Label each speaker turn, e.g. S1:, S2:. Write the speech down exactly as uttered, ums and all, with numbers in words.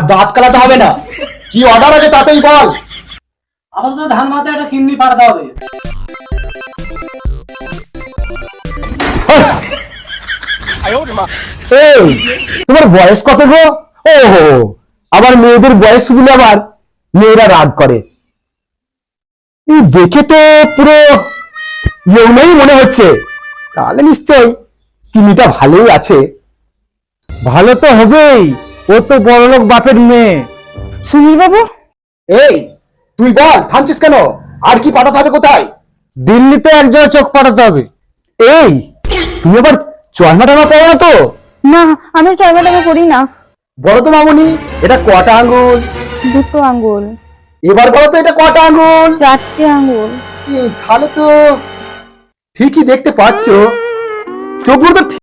S1: দাঁত কালাতে হবে না। কি অর্ডার আছে তাতেই বল।
S2: আপাতত ধান মাথায় একটা কিডনি পাঠাতে হবে।
S1: এই তোমার বয়স কত গো? ওহো, আবার মেয়েদের বয়স শুনলে আবার মেয়েরা রাগ করে। এই দেখে তো পুরো ইয়ংই মনে হচ্ছে, তাহলে নিশ্চয় কিনিটা ভালোই আছে।
S3: ভালো তো হবেই, ও তো বড়লোক বাপের মেয়ে।
S4: সুনীল বাবু,
S1: এই তুই বল, থামছিস কেন? আর কি পাঠাতে হবে কোথায়?
S3: দিল্লিতে এক জোড়া চোখ পাঠাতে হবে।
S1: এই তুমি আবার চশমা টমা পড়ো না তো?
S4: না আমি টয়বা টয়বা করি না।
S1: বলো তো মামুনি, এটা কটা আঙ্গুল?
S4: দুটো আঙ্গুল।
S1: এবার বলো তো এটা কটা আঙ্গুল?
S4: চারটে আঙ্গুল।
S1: এই, তাহলে তো ঠিকই দেখতে পাচ্ছ, চোখগুলো তো